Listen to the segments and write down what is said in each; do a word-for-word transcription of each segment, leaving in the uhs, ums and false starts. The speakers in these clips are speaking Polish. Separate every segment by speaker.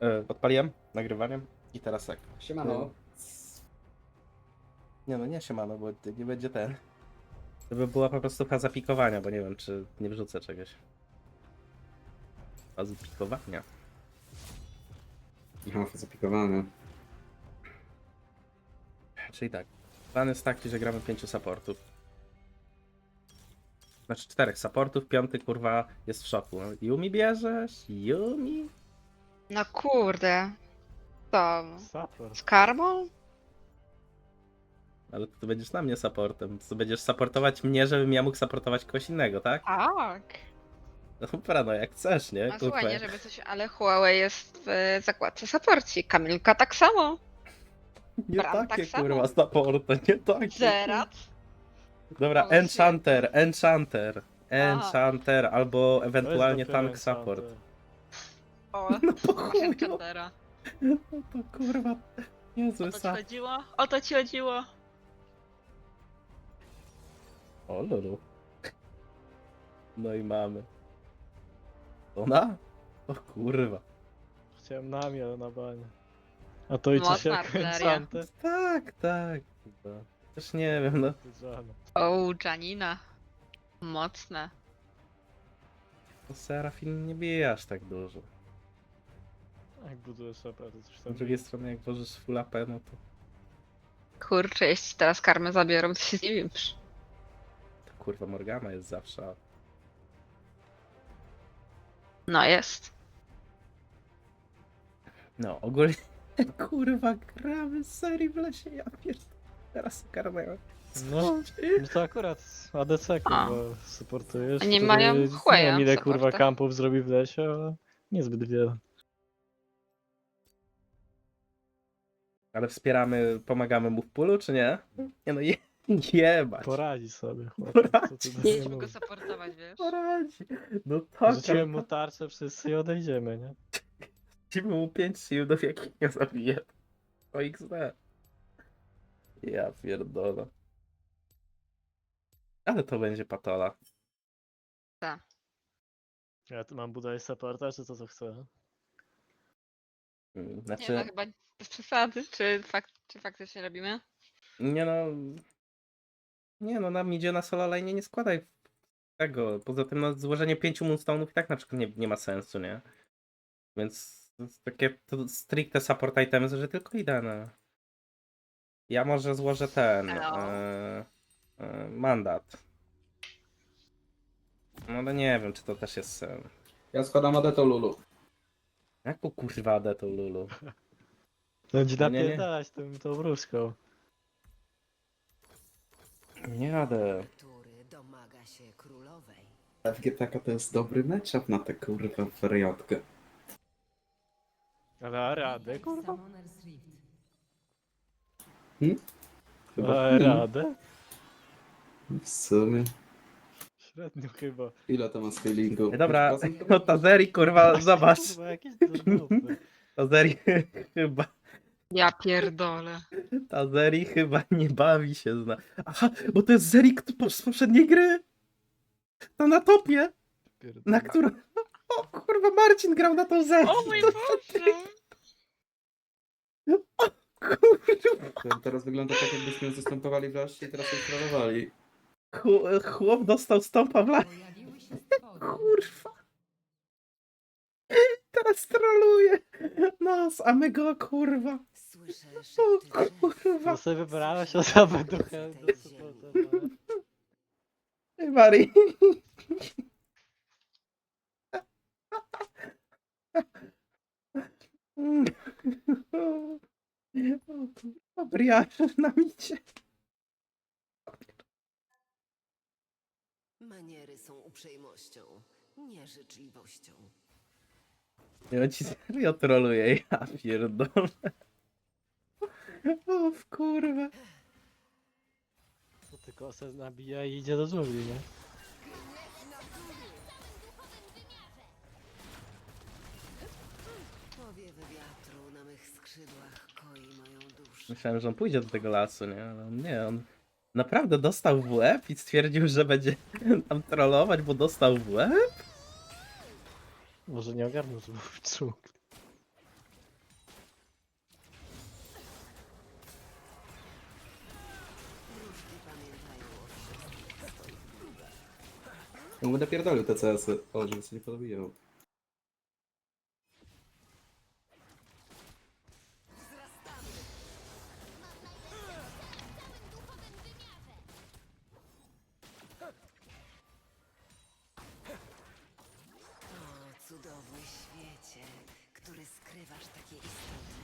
Speaker 1: E, odpaliłem nagrywaniem i teraz tak.
Speaker 2: Siemano.
Speaker 1: Nie no, nie siemano, bo nie będzie ten. To by była po prostu faza pikowania, bo nie wiem, czy nie wrzucę czegoś. Fazy pikowania.
Speaker 2: Aha, zapikowane.
Speaker 1: Czyli tak. Plan jest taki, że gramy pięciu supportów. Znaczy czterech supportów, piąty kurwa jest w szoku. No, Yumi bierzesz? Yumi?
Speaker 3: No kurde. To
Speaker 4: Support.
Speaker 3: z karmą?
Speaker 1: Ale to ty będziesz na mnie supportem. To będziesz supportować mnie, żebym ja mógł supportować kogoś innego, tak?
Speaker 3: Tak.
Speaker 1: No dobra, no jak chcesz, nie?
Speaker 3: No słuchaj,
Speaker 1: Kurwa.
Speaker 3: nie żeby coś, ale Huawei jest w zakładce supporci. Kamilka tak samo.
Speaker 1: Nie
Speaker 3: Bram
Speaker 1: takie
Speaker 3: tak samo.
Speaker 1: kurwa supporty, nie takie.
Speaker 3: Zerat.
Speaker 1: Dobra,
Speaker 3: Ale
Speaker 1: Enchanter, Enchanter, Enchanter, albo ewentualnie
Speaker 4: Weź dopiero
Speaker 1: tank support.
Speaker 4: Enchanter.
Speaker 3: O,
Speaker 1: No po
Speaker 3: masz
Speaker 1: chuju.
Speaker 3: enchantera.
Speaker 1: No to kurwa, niezły
Speaker 3: O to ci
Speaker 1: sa.
Speaker 3: chodziło? O to ci chodziło?
Speaker 1: O lulu. No i mamy. Ona? O kurwa.
Speaker 4: Chciałem nami, ale na banie. A to idzie się
Speaker 3: Mocna
Speaker 4: jak
Speaker 3: artyleria.
Speaker 4: Enchanter.
Speaker 1: Tak, tak. Kurwa. Też nie wiem, no.
Speaker 4: Żadne.
Speaker 3: O, Janina. Mocne.
Speaker 1: To Serafin nie bije aż tak dużo.
Speaker 4: Jak budujesz A P, to coś
Speaker 1: Z
Speaker 4: tam.
Speaker 1: drugiej strony jak włożysz full A P, no to,
Speaker 3: Kurczę, jeśli teraz karmę zabiorą, to się zdziwisz.
Speaker 1: to kurwa Morgana jest zawsze. a-
Speaker 3: No jest.
Speaker 1: No, ogólnie kurwa gramy z serii w lesie, ja pierdolę. Teraz karmę.
Speaker 4: No, no to akurat A D C kurwa supportujesz.
Speaker 3: Oni
Speaker 4: który
Speaker 3: mają
Speaker 4: Nie
Speaker 3: chłeja
Speaker 4: wiem ile kurwa
Speaker 3: supporta.
Speaker 4: kampów zrobi w lesie, ale niezbyt wiele.
Speaker 1: Ale wspieramy, pomagamy mu w pulu, czy nie? Nie no, je, jebać.
Speaker 4: Poradzi sobie, chłopie.
Speaker 1: Poradzi.
Speaker 4: Co ty do
Speaker 3: Nie
Speaker 4: mnie
Speaker 3: musimy go
Speaker 4: mówisz?
Speaker 3: supportować, wiesz?
Speaker 1: Poradzi. No tak,
Speaker 4: Rzuciłem mu tarczę wszyscy i odejdziemy, nie?
Speaker 1: Rzucimy mu pięć shieldów, jakich nie zabije. O X D. Ja pierdolę. Ale to będzie patola.
Speaker 4: Ja tu mam budować supporta, czy to co chcę?
Speaker 1: Mm,
Speaker 3: Nie
Speaker 1: Znaczy,
Speaker 3: no, chyba bez przesady. Czy, fak czy faktycznie robimy?
Speaker 1: nie no... Nie no, nam idzie na solo lane, nie składaj tego. Poza tym no, złożenie pięciu moonstone'ów i tak na przykład nie, nie ma sensu, nie? Więc to jest takie to stricte support items, że tylko idę na... Ja może złożę ten...
Speaker 3: No.
Speaker 1: E, e, mandat. No ale nie wiem, czy to też jest sen.
Speaker 2: Ja składam Adeto Lulu.
Speaker 1: Jaką kurwa adę tą Lulu?
Speaker 4: Będzie
Speaker 1: No nie, nie.
Speaker 4: napierdalać tą, tą wróżką.
Speaker 1: Nie jadę.
Speaker 5: Który domaga się królowej.
Speaker 2: F G T K to jest dobry matchup na tę kurwa wariatkę.
Speaker 4: Ale a radę, kurwa?
Speaker 5: Summoner's Rift.
Speaker 2: Chyba
Speaker 4: A
Speaker 2: hmm,
Speaker 4: radę?
Speaker 2: w sumie.
Speaker 4: Średnio chyba.
Speaker 2: Ile to ma scalingu?
Speaker 1: Dobra,
Speaker 2: pięć procent?
Speaker 1: no Tazeri kurwa, zobacz.
Speaker 4: Kurwa, jakieś durnupy.
Speaker 1: Tazeri chyba,
Speaker 3: Ja pierdolę.
Speaker 1: Tazeri chyba nie bawi się zna. Aha, bo to jest Zerik z poprzedniej gry. To na topie, na którą... O kurwa, Marcin grał na tą Zeri.
Speaker 3: O mój Boże!
Speaker 1: Kurwa,
Speaker 2: To teraz wygląda tak, jakbyśmy zastępowali w lasie i teraz ją trollowali.
Speaker 1: Chł- chłop dostał stąpa w las.
Speaker 5: Pojawiły się stwory.
Speaker 1: Kurwa. Teraz troluje nas, a my go kurwa.
Speaker 5: Słyszę
Speaker 1: O
Speaker 5: szepty drzew.
Speaker 1: kurwa.
Speaker 4: No sobie wybrałeś osobę trochę do supporta.
Speaker 1: Ej, Mari. O kurwa, Briarz na micie.
Speaker 5: Maniery są uprzejmością, nie życzliwością.
Speaker 1: Ja ci serio troluję, ja pierdolę. O w kurwa.
Speaker 4: To tylko se nabija i idzie do dżungli, nie?
Speaker 5: Powiewy wiatru na mych skrzydłach koi moją duszę.
Speaker 1: Myślałem, że on pójdzie do tego lasu, nie? Ale on nie, on naprawdę dostał w łeb i stwierdził, że będzie tam trollować, bo dostał w łeb?
Speaker 4: Może nie ogarnął, że był w dżungli.
Speaker 2: No będę pierdolił te C S-y. O, żeby się nie podobiło.
Speaker 5: O, cudowny świecie, który skrywasz takie istoty.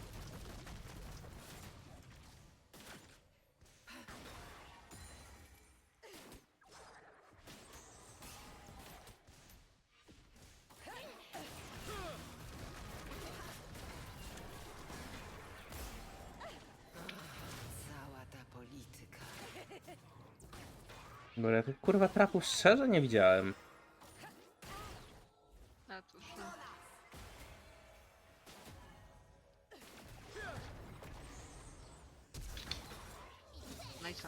Speaker 5: Cała ta polityka.
Speaker 1: Bo ja tych kurwa trapów szczerze nie widziałem.
Speaker 3: A cóż, no. No i co?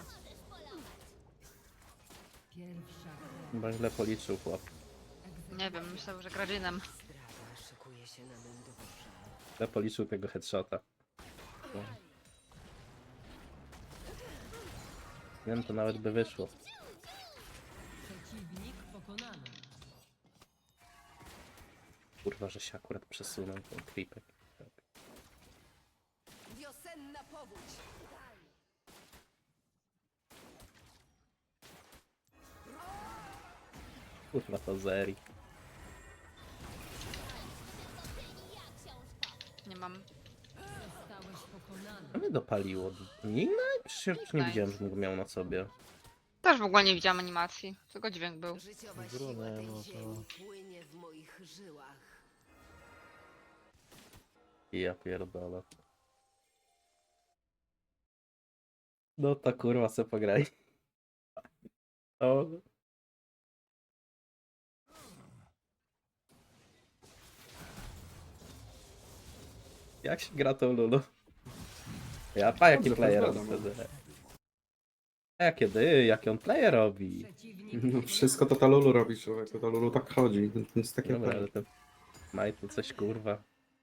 Speaker 1: Chyba źle policzył chłop.
Speaker 3: Nie wiem, myślał, że Gradzinem.
Speaker 5: Zdrada szykuje się na mym dworze.
Speaker 1: Źle policzył tego headshota. Nie wiem, to nawet by wyszło.
Speaker 6: Przeciwnik pokonany.
Speaker 1: Kurwa, że się akurat przesunął ten creepek. Tak.
Speaker 5: Wiosenna powódź!
Speaker 1: Kurwa, to Zeri.
Speaker 3: Nie mam.
Speaker 6: Zostałeś pokonany.
Speaker 1: To mnie dopaliło. Nina? Przecież nie widziałem, że go miał na sobie.
Speaker 3: Też w ogóle nie widziałam animacji, tylko dźwięk był.
Speaker 5: Życiowa
Speaker 4: Grunę,
Speaker 5: siła tej
Speaker 4: no to-
Speaker 5: ziemi płynie w moich żyłach.
Speaker 1: I ja pierdolę. No to kurwa se pograj. O. Jak się gra tą Lulu? Ja pa jaki
Speaker 2: Dobrze,
Speaker 1: player
Speaker 2: to
Speaker 1: robi
Speaker 2: zgadam.
Speaker 1: wtedy. A jakie dy, jaki on player robi?
Speaker 6: Przeciwnik
Speaker 2: No wszystko to ta Lulu robi, człowieku. Ta Lulu tak chodzi. To jest takie
Speaker 1: Dobra,
Speaker 2: fajne.
Speaker 1: ale ten Majtu coś kurwa.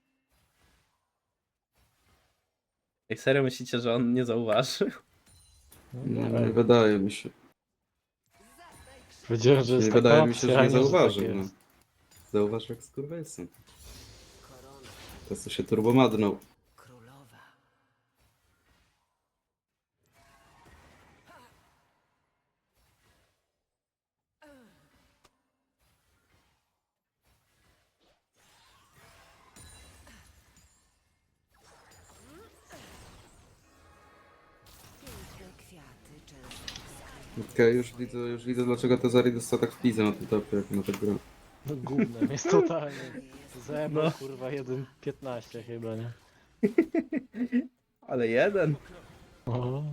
Speaker 1: Ej, serio myślicie, że on nie zauważy?
Speaker 2: No,
Speaker 4: Ej,
Speaker 2: nie wydaje mi się.
Speaker 4: Wiedziałem, że
Speaker 2: Nie
Speaker 4: jest taka
Speaker 2: wydaje mi się, że
Speaker 4: opcja,
Speaker 2: nie
Speaker 4: a
Speaker 2: zauważył.
Speaker 4: tak
Speaker 2: No.
Speaker 4: jest.
Speaker 2: Zauważył jak skurwysyn.
Speaker 5: Korona
Speaker 2: Teraz to się turbomadnął.
Speaker 5: królowa. Piękne kwiaty często skrywają.
Speaker 2: Okej, już widzę, już widzę dlaczego te Zari dostał tak w pizę na tym topie, jak na tę grę.
Speaker 4: No gównem jest totalnie.
Speaker 5: Jest
Speaker 4: Zebo,
Speaker 1: No.
Speaker 4: kurwa, jeden piętnaście chyba, nie?
Speaker 1: Ale jeden.
Speaker 4: O,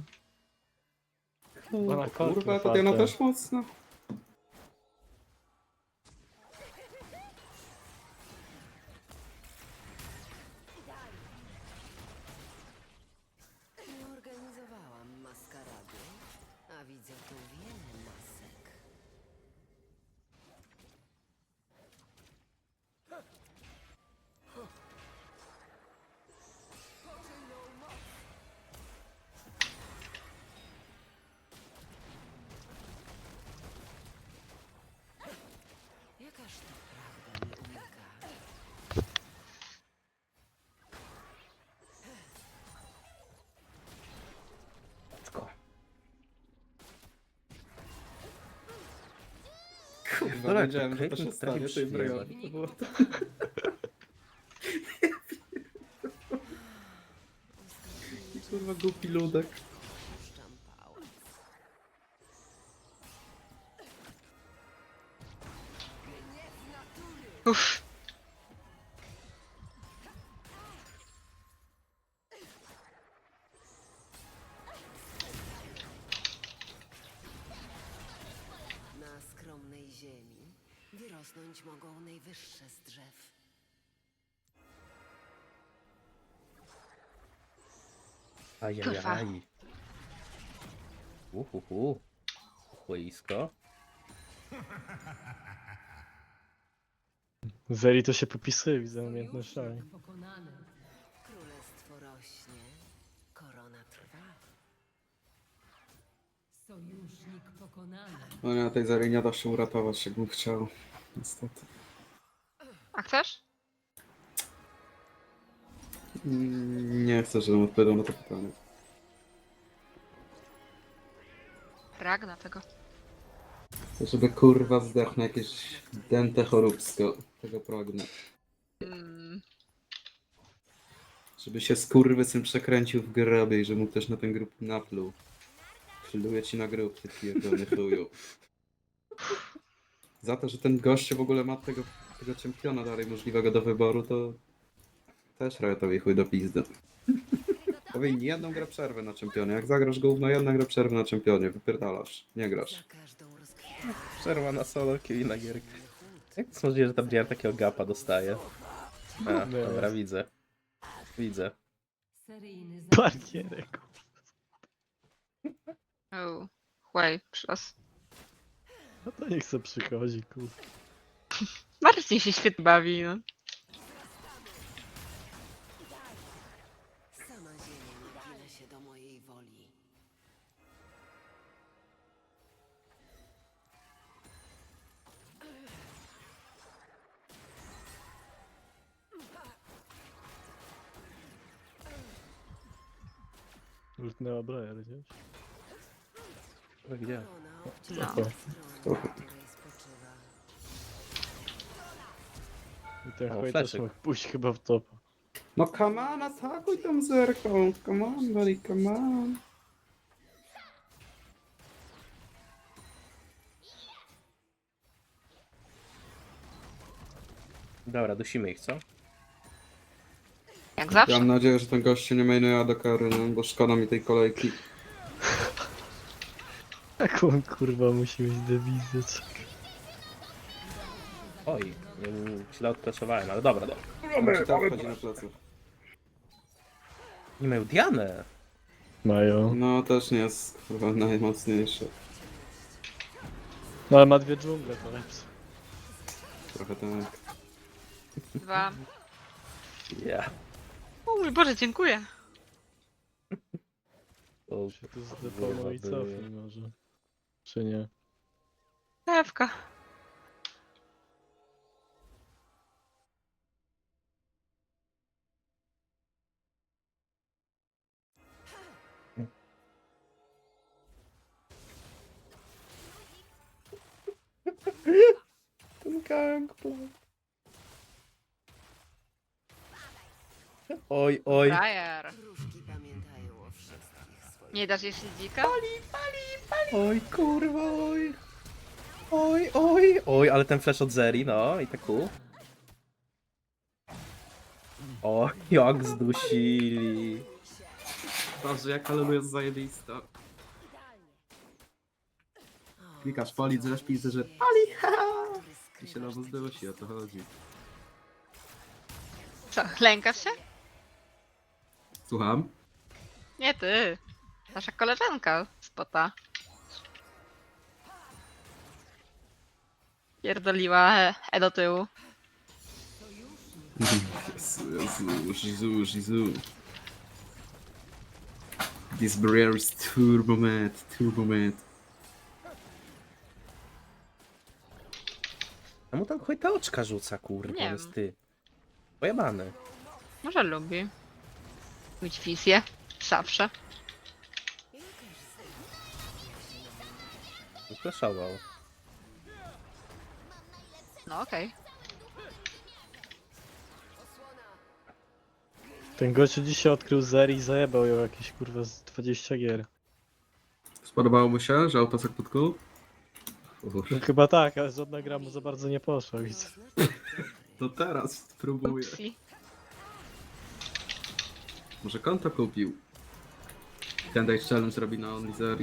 Speaker 4: ona
Speaker 2: Kurwa, to ona też mocno.
Speaker 5: Nie organizowałam maskarady, a widzę tu wiele masek. Jakaż to prawda nie umyka?
Speaker 1: Let's
Speaker 2: Kurwa,
Speaker 1: Dobra,
Speaker 2: wiedziałem,
Speaker 1: to
Speaker 2: że to się
Speaker 1: Caitlyn
Speaker 2: stanie,
Speaker 1: trafi
Speaker 2: tej
Speaker 1: przyjemnie.
Speaker 2: broni. To było to. Kurwa, głupi ludek.
Speaker 5: Puszczam pałac.
Speaker 3: Uff.
Speaker 5: Na skromnej ziemi wyrosnąć mogą najwyższe z drzew.
Speaker 1: Ajajaj. Uhuhu. Chłoisko.
Speaker 4: Zeri to się popisuje, widzę umiejętnościami.
Speaker 6: Sojusznik pokonany.
Speaker 5: Królestwo rośnie, korona trwa.
Speaker 6: Sojusznik pokonany.
Speaker 2: No nie, tej Zeri nie da się uratować, jakbym chciał. Niestety.
Speaker 3: A chcesz?
Speaker 2: Mm, Nie chcę, żebym odpowiadał na to pytanie.
Speaker 3: Pragna tego.
Speaker 2: Chcę, żeby kurwa zdechł na jakieś dęte choróbsko. Tego pragnę.
Speaker 3: Mm,
Speaker 2: Żeby się skurwysyn przekręcił w grobie i że mu ktoś na ten grób napluł. Pluję ci na grób, ty pierdolony chuju. Za to, że ten gościu w ogóle ma tego, tego czempiona dalej możliwego do wyboru, to też Riotowi chuj do pizdy. Powinni jedną grę przerwy na czempionie. Jak zagrasz gówno, jedna gra przerwy na czempionie. Wypierdalasz. Nie grasz.
Speaker 5: Za każdą rozkwitną
Speaker 1: Przerwa na solo, kill na gierkę. Jak to jest możliwe, że ta Briar takiego gapa dostaje? A,
Speaker 4: Nie.
Speaker 1: dobra, widzę. Widzę.
Speaker 6: Seryjny zabójca.
Speaker 4: Barierek.
Speaker 3: oh. Chłej, przylas.
Speaker 4: No to niech se przychodzi, kurwa.
Speaker 3: Marcin się świetnie bawi, no.
Speaker 5: sama ziemia nie gina się do mojej woli.
Speaker 4: Lutnęła Briar, gdzieś.
Speaker 1: Gdzie?
Speaker 5: Ona obciąża
Speaker 3: No.
Speaker 4: Spoko.
Speaker 5: stronę, na której spoczywa.
Speaker 4: I ten
Speaker 1: O,
Speaker 4: chuj też
Speaker 1: fleszy.
Speaker 4: mógł pójść chyba w topa.
Speaker 2: No come on, atakuj tą zerką. Come on, buddy, come on.
Speaker 1: Dobra, dusimy ich, co?
Speaker 3: Jak
Speaker 2: Ja
Speaker 3: zawsze.
Speaker 2: mam nadzieję, że ten gość się nie mainuje do kary, no, bo szkoda mi tej kolejki.
Speaker 4: Jak on kurwa musi mieć dewizję, czekaj.
Speaker 1: Oj, nie, źle odpracowałem, ale dobra, dobra.
Speaker 2: Czy tak wchodzi na plecy?
Speaker 1: Nie mają Dianę.
Speaker 4: Mają.
Speaker 2: No też nie jest kurwa najmocniejszy.
Speaker 4: No ale ma dwie dżungle, to lepsze.
Speaker 2: Trochę tak.
Speaker 3: Dwa.
Speaker 1: Ja.
Speaker 3: O mój Boże, dziękuję.
Speaker 1: To
Speaker 4: Się tu zdeponuj i
Speaker 1: Kurwa,
Speaker 4: cofnij może. Czy nie?
Speaker 3: Dewka.
Speaker 1: ten gangplank. Oj, oj.
Speaker 3: Briar.
Speaker 5: Wróżki pamiętają o wszystkich swoich.
Speaker 3: Nie dasz jej dzika?
Speaker 1: Oj, kurwa, oj. Oj, oj, oj, ale ten flash od Zeri, no i tak ku. O, jak zdusili.
Speaker 2: Boże, jaka Lulu jest zajebista. Klikasz pali, zresztą pisze, że pali, haha! I się na was zdosi, o to chodzi.
Speaker 3: Co, lękasz się?
Speaker 2: Słucham?
Speaker 3: Nie ty. Nasza koleżanka spota. Pierdoliła e, e do tyłu.
Speaker 2: Jezu, Jezu, Jezu, Jezu. This barrier is turbo mad, turbo mad.
Speaker 1: Czemu tam chuj te oczka rzuca, kurwa,
Speaker 3: Nie
Speaker 1: jest
Speaker 3: wiem.
Speaker 1: ty. Pojebany.
Speaker 3: Może lubi. Mieć wizję. Zawsze.
Speaker 1: Flashował.
Speaker 3: No okej.
Speaker 4: Ten gościu dzisiaj odkrył Zeri i zajebał ją jakieś kurwa z dwadzieścia gier.
Speaker 2: Spodobało mu się, że autosek podkuł? Uff.
Speaker 4: No chyba tak, ale żadna gra mu za bardzo nie poszła, widzę.
Speaker 2: To teraz spróbuję.
Speaker 3: Upsi.
Speaker 2: Może konto kupił. Ten Day Challenge robi na OnlyZeri.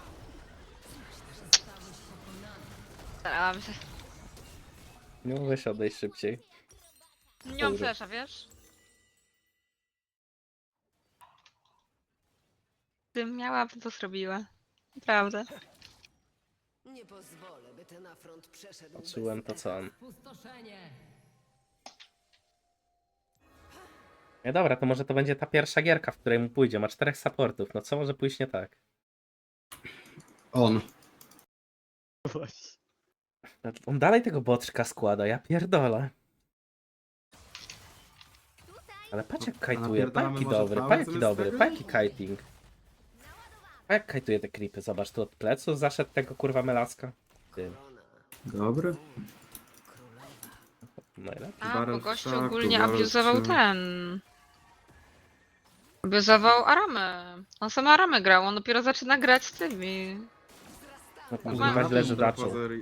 Speaker 3: Starałam się.
Speaker 1: No weź odejść szybciej.
Speaker 3: Nie mam
Speaker 1: Dobra.
Speaker 3: flesza, wiesz? Gdybym miała, bym to zrobiła. Naprawdę.
Speaker 5: Nie pozwolę, by ten afront przeszedł
Speaker 1: Patrzyłem to
Speaker 5: bez
Speaker 1: co on.
Speaker 6: Pustoszenie.
Speaker 1: Nie dobra, to może to będzie ta pierwsza gierka, w której mu pójdzie. Ma czterech supportów. No co może pójść nie tak?
Speaker 2: On.
Speaker 4: Właśnie.
Speaker 1: On dalej tego boczka składa, ja pierdolę. Ale patrz jak
Speaker 2: A
Speaker 1: kajtuje,
Speaker 2: napierdalamy
Speaker 1: pajki
Speaker 2: może
Speaker 1: dobry,
Speaker 2: fałę
Speaker 1: pajki
Speaker 2: zamiast
Speaker 1: dobry,
Speaker 2: tego?
Speaker 1: pajki kiting. A jak kajtuje te creepy, zobacz, tu od plecu zaszedł tego kurwa melaska. Ty,
Speaker 2: Dobry.
Speaker 1: najlepiej.
Speaker 3: A,
Speaker 2: Baron
Speaker 3: bo
Speaker 2: w
Speaker 3: gościu
Speaker 2: szaku,
Speaker 3: ogólnie
Speaker 2: Baron w
Speaker 3: abuzował
Speaker 2: szaku.
Speaker 3: ten. Abuzował Aramę. On sam Aramę grał, on dopiero zaczyna grać z tymi.
Speaker 1: No
Speaker 3: Kurwa,
Speaker 1: kurwa źle, że
Speaker 2: Dobra,
Speaker 1: zaczął.
Speaker 2: pozery.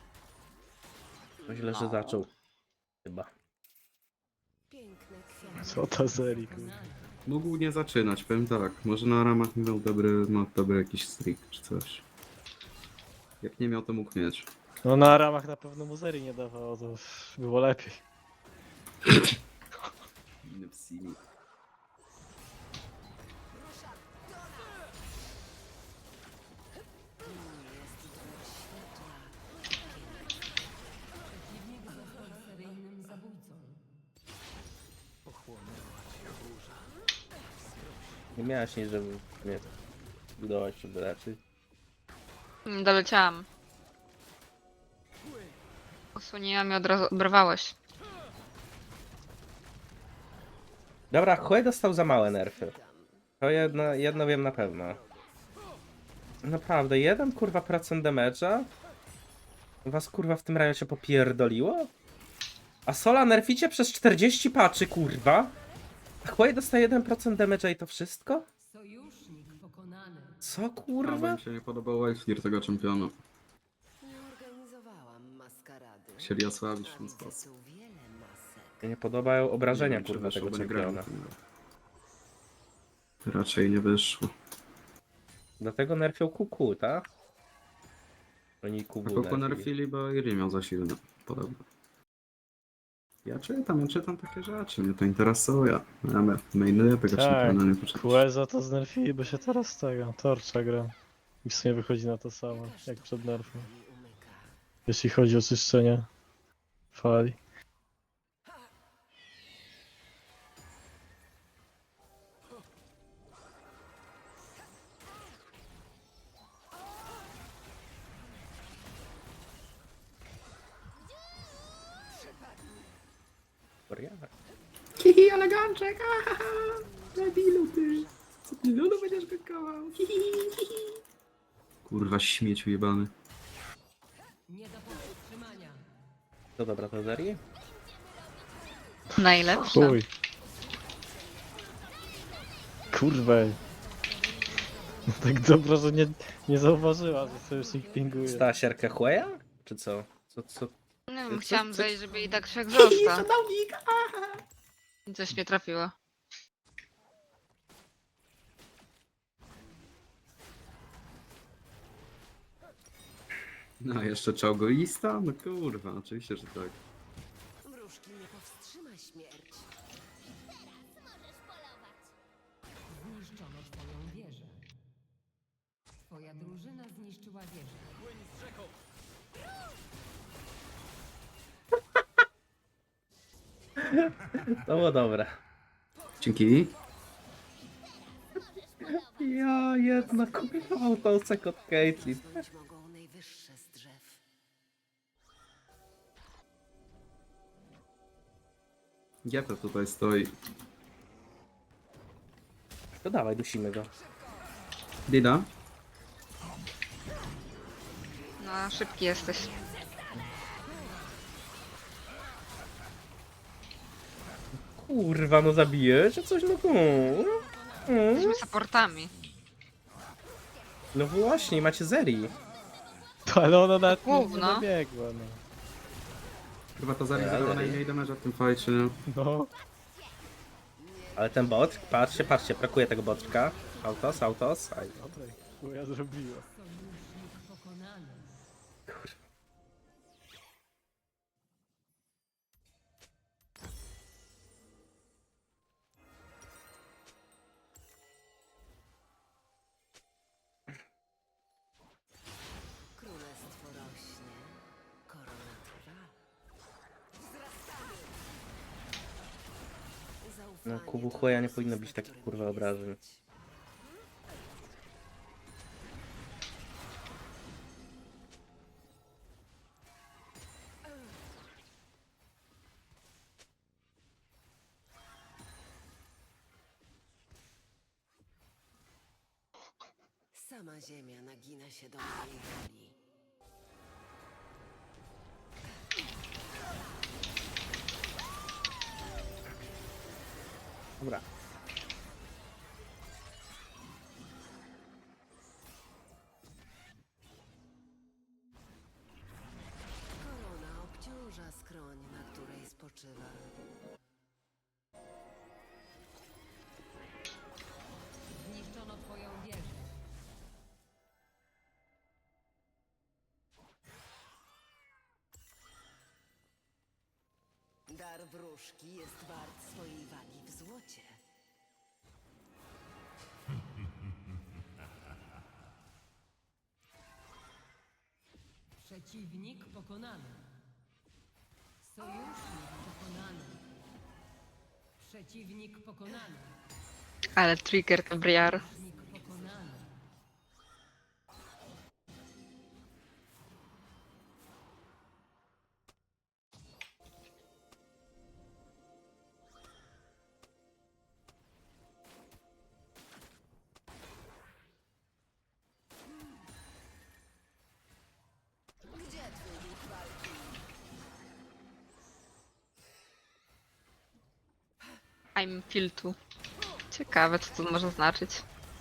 Speaker 1: No źle, że zaczął. Chyba.
Speaker 5: Piękne kwiaty.
Speaker 4: Co ta serii, kurwa.
Speaker 6: Pokonany.
Speaker 2: Mógł nie zaczynać, powiem tak. Może na ramach miał dobry, ma dobry jakiś streak czy coś. Jak nie miał, to mógł mieć.
Speaker 4: No na ramach na pewno mu serii nie dawało, to było lepiej.
Speaker 2: Inny w Simi.
Speaker 6: Przeciwnik został seryjnym zabójcą.
Speaker 1: Nie miałaś nic, żeby mnie budować, żeby raczej.
Speaker 3: Nie doleciałam. Osłoniłam i od razu oberwałeś.
Speaker 1: Dobra, Hue dostał za małe nerfy. To jedno, jedno wiem na pewno. Naprawdę, jeden kurwa procent damage'a? Was kurwa w tym raju się popierdoliło? A Sola nerficie przez czterdzieści patchy, kurwa? A Hue dostaje jeden procent damage'a i to wszystko?
Speaker 6: Sojusznik pokonany.
Speaker 1: Co
Speaker 2: A, bo
Speaker 1: kurwa?
Speaker 2: mi się nie podobał Wildfear tego czempiona.
Speaker 5: Nie organizowałam maskarady.
Speaker 2: Chcieli osłabić w
Speaker 5: A
Speaker 2: ten
Speaker 5: widzę
Speaker 2: sposób.
Speaker 5: tu wiele masek.
Speaker 1: Mnie nie podobają obrażenia
Speaker 2: Nie wiem, czy
Speaker 1: kurwa
Speaker 2: wyszło,
Speaker 1: tego
Speaker 2: bo nie grałem
Speaker 1: czempiona.
Speaker 2: w tym. Raczej nie wyszło.
Speaker 1: Dlatego nerfią Q Q, tak? Oni Q
Speaker 2: A
Speaker 1: W
Speaker 2: Koko
Speaker 1: nerfili.
Speaker 2: nerfili, bo Iri miał za silny. Podobno. Ja czytam, ja czytam takie rzeczy, mnie to interesuje. Ja me- mainuję tego
Speaker 4: Tak,
Speaker 2: czempiona, nie poczytam.
Speaker 4: Queza to znerfili, by się teraz z tego, Torcza gra. I w sumie wychodzi na to samo, jak przed nerfem.
Speaker 5: Mi umyka.
Speaker 4: Jeśli chodzi o czyszczenie fali.
Speaker 1: Wariat.
Speaker 2: Hihi, eleganczek, ahaha! Debilu ty! Co ty lulu będziesz wykołał? Hihi, hihi. Kurwa, śmieciu jebany.
Speaker 6: Nie do powstrzymania.
Speaker 1: To dobra, to Zeri?
Speaker 3: Najlepsze.
Speaker 4: Chuj. Kurwa. No tak dobra, że nie, nie zauważyła, że sojusznik pinguje.
Speaker 1: Stała sierkę Hueya? Czy co? Co, co?
Speaker 3: Nie
Speaker 1: Co-
Speaker 3: wiem, chciałam
Speaker 1: co-
Speaker 3: zejść, żeby i tak wszak został. I coś mnie trafiło.
Speaker 2: No, jeszcze czołgoista? No kurwa, oczywiście, że tak.
Speaker 5: Wróżki nie powstrzyma śmierć.
Speaker 6: Zniszczono twoją wieżę. Twoja drużyna zniszczyła wieżę.
Speaker 1: To było dobre.
Speaker 2: Dzięki.
Speaker 1: Ja jedna kurwa autosek od Caitlyn.
Speaker 5: Rosnąć mogą najwyższe z drzew.
Speaker 2: Gepę tutaj stoi.
Speaker 1: To dawaj, dusimy go.
Speaker 2: Dida?
Speaker 3: No, szybki jesteś.
Speaker 1: Kurwa, no zabijesz? Czy coś no tu? Mm.
Speaker 3: Jesteśmy supportami.
Speaker 1: No właśnie, macie Zeri.
Speaker 4: To, ale ona nawet nie, nie
Speaker 3: Gówno.
Speaker 4: dobiegła, no.
Speaker 2: Chyba to
Speaker 1: Ale-
Speaker 2: zarejestrowała najmniej damage'a w tym fajcie, nie?
Speaker 4: No,
Speaker 1: Ale ten bot, patrzcie, patrzcie, brakuje tego botka. Autos, autos. Aj,
Speaker 4: dobra, chuja zrobiła.
Speaker 6: Sojusznik pokonany.
Speaker 5: Królestwo rośnie. Korona trwa.
Speaker 1: No,
Speaker 5: Zaufanie
Speaker 1: Kubu
Speaker 5: to
Speaker 1: Hueya nie
Speaker 5: luksus,
Speaker 1: powinno
Speaker 5: na
Speaker 1: być takich
Speaker 5: którym
Speaker 1: kurwa
Speaker 5: nie
Speaker 1: obrażeń.
Speaker 5: stać. Sama ziemia nagina się do mojej woli.
Speaker 1: Dobra.
Speaker 5: Korona obciąża skroń, na której spoczywa.
Speaker 6: Zniszczono twoją wieżę.
Speaker 5: Dar wróżki jest wart swojej wagi w złocie.
Speaker 6: Przeciwnik pokonany. Sojusznik pokonany. Przeciwnik pokonany.
Speaker 3: Ale trigger to briar.
Speaker 6: Sojusznik pokonany.
Speaker 3: I'm filtu. Ciekawe, co to może znaczyć.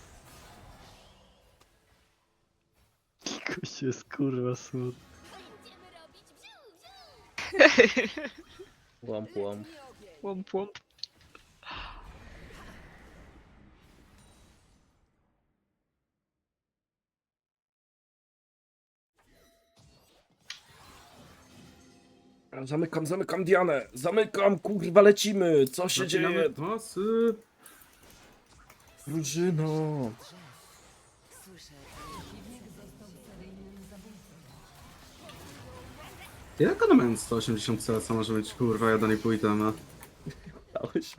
Speaker 4: Jakoś jest kurwa smutny.
Speaker 1: Łomp, łomp.
Speaker 3: Łomp, łomp.
Speaker 1: Zamykam, zamykam Dianę! Zamykam, kurwa, lecimy! Co się
Speaker 2: Zaczynamy
Speaker 1: dzieje?
Speaker 2: pasy.
Speaker 1: Drużyno!
Speaker 5: Słyszę,
Speaker 6: Przeciwnik został seryjnym zabójcą.
Speaker 2: Jak one mają sto osiemdziesiąt C, co może mieć kurwa jeden i pół itema?
Speaker 1: Dałeś?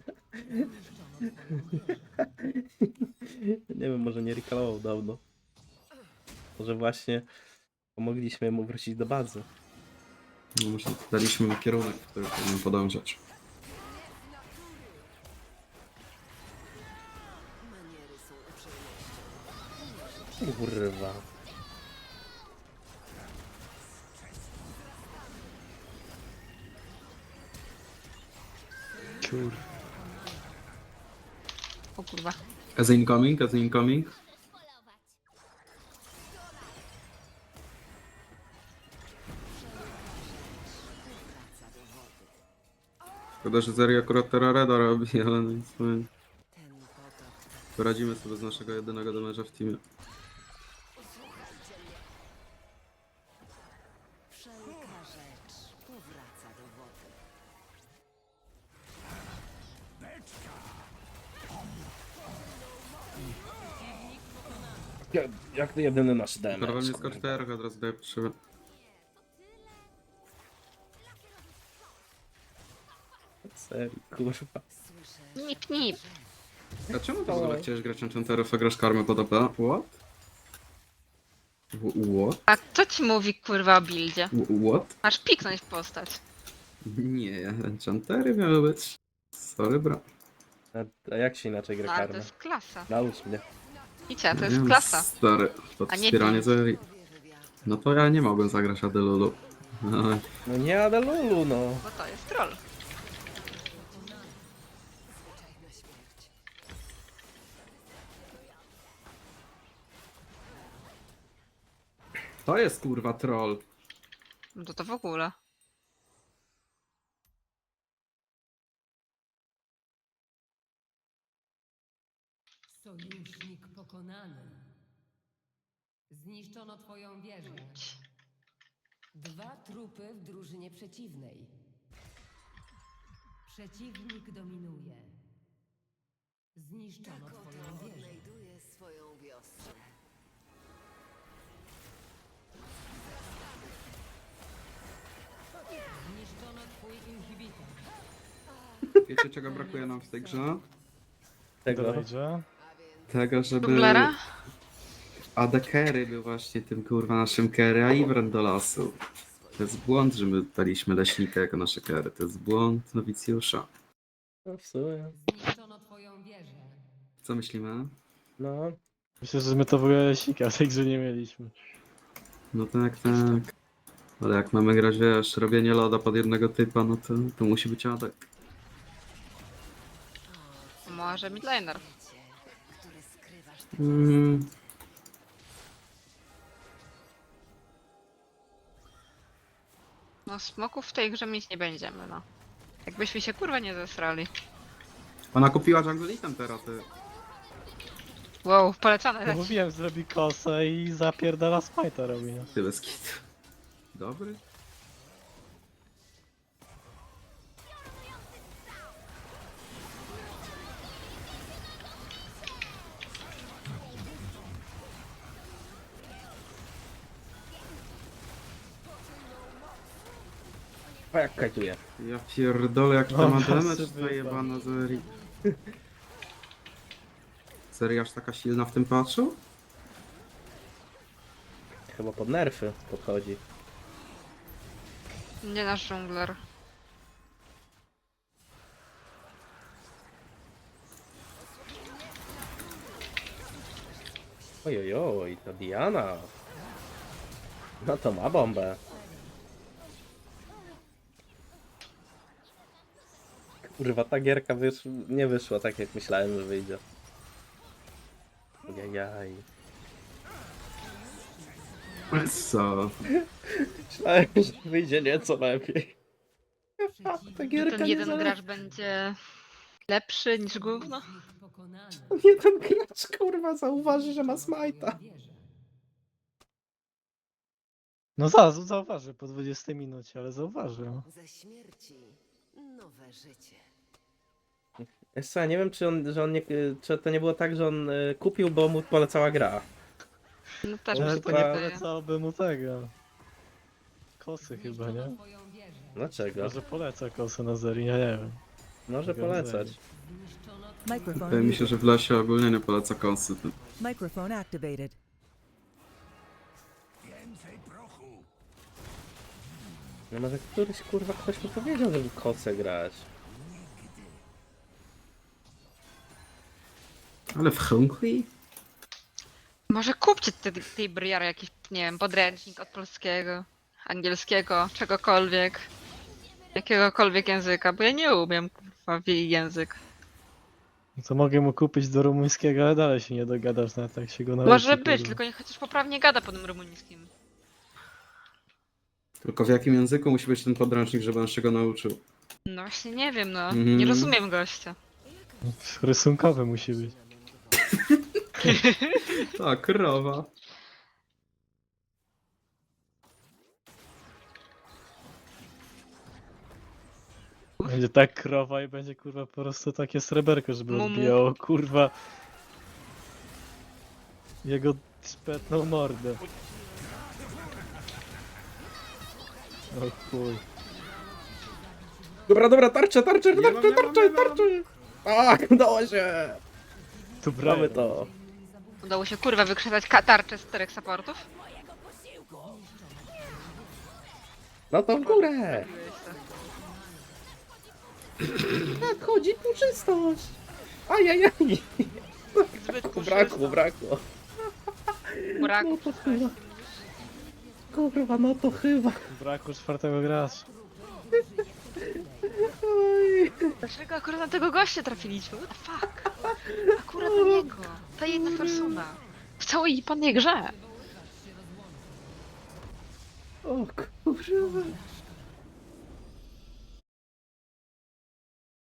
Speaker 1: Nie wiem, może nie recallował dawno. Może właśnie pomogliśmy mu wrócić do bazy.
Speaker 2: No może daliśmy mu kierunek, w który powinien podążać.
Speaker 5: maniery są uprzejmością.
Speaker 1: Kurwa.
Speaker 4: Kur...
Speaker 3: O kurwa.
Speaker 2: As incoming, as incoming. Szkoda, że Zeri akurat Terrareda robi, ale no nic. No,
Speaker 5: Ten potok
Speaker 2: poradzimy sobie z naszego jedynego damage'a w teamie.
Speaker 5: wszelka rzecz powraca do wody.
Speaker 1: Jak, jak to jedyny nasz damage.
Speaker 2: Kurwa mnie skocz T R, od razu daję potrzebę.
Speaker 1: Serio, kurwa.
Speaker 5: Słyszę,
Speaker 3: Nip, nip.
Speaker 2: A czemu ty w ogóle chciałeś grać Enchanterów, a grasz karmę pod A P? What? W- What?
Speaker 3: A kto ci mówi kurwa o buildzie?
Speaker 2: W- What?
Speaker 3: Masz piknąć w postać.
Speaker 2: Nie, Enchantery miały być. Sorry, bro.
Speaker 1: A, a jak się inaczej gra
Speaker 3: No, ale to
Speaker 1: karmę?
Speaker 3: jest klasa.
Speaker 1: Naucz mnie.
Speaker 3: Widzicie, to
Speaker 2: Nie
Speaker 3: jest
Speaker 2: wiem,
Speaker 3: klasa.
Speaker 2: Stary, to
Speaker 3: A nie
Speaker 2: wspieranie
Speaker 3: pięć.
Speaker 2: Zeri.
Speaker 5: powierzę wiatru.
Speaker 2: No to ja nie mogłem zagrać Adelulu. No,
Speaker 1: No nie Adelulu, no.
Speaker 3: Bo to jest troll.
Speaker 5: Zwyczajna śmierć.
Speaker 2: to jest kurwa troll.
Speaker 3: No to to w ogóle.
Speaker 6: Sojusznik pokonany. Zniszczono twoją wieżę.
Speaker 5: Dwa trupy w drużynie przeciwnej.
Speaker 6: Przeciwnik dominuje. Zniszczono
Speaker 5: Tak
Speaker 6: twoją
Speaker 5: oto
Speaker 6: wieżę.
Speaker 5: odnajduje swoją wiostrę.
Speaker 6: Zniszczono twój inhibitor.
Speaker 2: Wiecie czego brakuje nam w tej grze?
Speaker 1: Tego.
Speaker 4: Dojdzie.
Speaker 2: Tego, żeby
Speaker 3: Dublera?
Speaker 2: A D Carry był właśnie tym kurwa naszym carry, a Ivern do lasu. To jest błąd, że my daliśmy leśnika jako nasze carry. To jest błąd nowicjusza.
Speaker 1: No w sumie.
Speaker 6: Zniszczono twoją wieżę.
Speaker 2: Co myślimy?
Speaker 1: No.
Speaker 4: Myślę, że my to w ogóle sika w tej grze nie mieliśmy.
Speaker 2: No tak, tak. Ale jak mamy grać, wiesz, robienie loda pod jednego typa, no to, to musi być adek.
Speaker 3: Może midlaner.
Speaker 5: które skrywasz tak
Speaker 2: Mm.
Speaker 3: No smoków w tej grze mieć nie będziemy, no. Jakbyśmy się kurwa nie zesrali.
Speaker 2: Ona kupiła Jungleitem teraz, ty.
Speaker 3: Wow, polecane
Speaker 4: No
Speaker 3: leci.
Speaker 4: mówiłem, zrobi kosę i zapierdala smite'a robi, no.
Speaker 2: Ty bez kitu. Dobry?
Speaker 1: O, jak kajtuje.
Speaker 2: Ja pierdolę, jak to
Speaker 4: O,
Speaker 2: ma
Speaker 4: masy
Speaker 2: damage
Speaker 4: wypadł.
Speaker 2: zajebana Zeri. Seria aż taka silna w tym patchu?
Speaker 1: Chyba pod nerfy podchodzi.
Speaker 3: Nie nasz dżungler.
Speaker 1: Ojojoj, to Diana. No to ma bombę. Kurwa, ta gierka wysz... nie wyszła tak jak myślałem, że wyjdzie. Jajaj.
Speaker 2: Co?
Speaker 1: Myślałem, że wyjdzie nieco lepiej. Ta
Speaker 3: Że
Speaker 1: gierka
Speaker 3: ten
Speaker 1: nie
Speaker 3: jeden
Speaker 1: zale...
Speaker 3: gracz będzie lepszy niż gówno.
Speaker 6: Przeciwnik pokonany.
Speaker 1: Nie ten gracz, kurwa, zauważy, że ma smajta.
Speaker 6: Wieża.
Speaker 4: No zaraz, zauważy po dwudziestej minucie, ale zauważy. No.
Speaker 5: Ze śmierci nowe życie.
Speaker 1: Wiesz co, ja nie wiem, czy on, że on nie, czy to nie było tak, że on y, kupił, bo mu polecała gra.
Speaker 3: No też mi
Speaker 4: Ale
Speaker 3: się
Speaker 4: to nie
Speaker 3: wydaje.
Speaker 4: polecałoby mu tego. Kosy chyba, nie?
Speaker 6: Zniszczono twoją wieżę.
Speaker 1: Dlaczego?
Speaker 4: Może poleca kosy na Zeri, ja nie wiem.
Speaker 1: Może polecać.
Speaker 6: Zniszczono
Speaker 7: Microphone
Speaker 2: Wydaje mi się,
Speaker 7: muted.
Speaker 2: że w lesie ogólnie nie poleca konsy. ty.
Speaker 7: Microphone activated.
Speaker 1: No może któryś, kurwa, ktoś mi powiedział, żeby kosę grać.
Speaker 2: Ale w Hongkong?
Speaker 3: Może kupcie te, tej briary jakiś, nie wiem, podręcznik od polskiego, angielskiego, czegokolwiek. Jakiegokolwiek języka, bo ja nie umiem kurwa w jej język.
Speaker 4: No to mogę mu kupić do rumuńskiego, ale dalej się nie dogadasz nawet jak się go nauczy.
Speaker 3: Może być,
Speaker 4: kurwa.
Speaker 3: tylko niech chociaż poprawnie gada po tym rumuńskim.
Speaker 2: Tylko w jakim języku musi być ten podręcznik, żeby on się go nauczył?
Speaker 3: No właśnie nie wiem, no.
Speaker 2: Mhm.
Speaker 3: Nie rozumiem gościa.
Speaker 4: Rysunkowy musi być.
Speaker 2: Tak, krowa.
Speaker 4: Będzie tak krowa i będzie kurwa po prostu takie sreberko, żeby
Speaker 3: Mumu.
Speaker 4: odbijało kurwa jego szpetną mordę. O chuj.
Speaker 1: Dobra, dobra, tarcze, tarcze,
Speaker 2: Nie mam,
Speaker 1: tarcze,
Speaker 2: nie mam,
Speaker 1: tarcze,
Speaker 2: nie mam.
Speaker 1: tarcze! Tak, udało się!
Speaker 4: Tu
Speaker 1: Mamy
Speaker 4: bramy
Speaker 1: to.
Speaker 3: Udało się kurwa wykrzesać tarczę z czterech supportów?
Speaker 1: No to w górę! Tak, chodzi puczystość! Ajajaj!
Speaker 3: Zbyt
Speaker 1: Brakło, brakło.
Speaker 3: Brak.
Speaker 1: No to chyba. Kurwa, no to chyba.
Speaker 4: Braku czwartego gracza.
Speaker 1: Oj.
Speaker 3: Dlaczego akurat na tego gościa trafiliśmy? What the fuck? Akurat na niego. Ta jedna persona. W całej panej grze.
Speaker 1: O kurwa.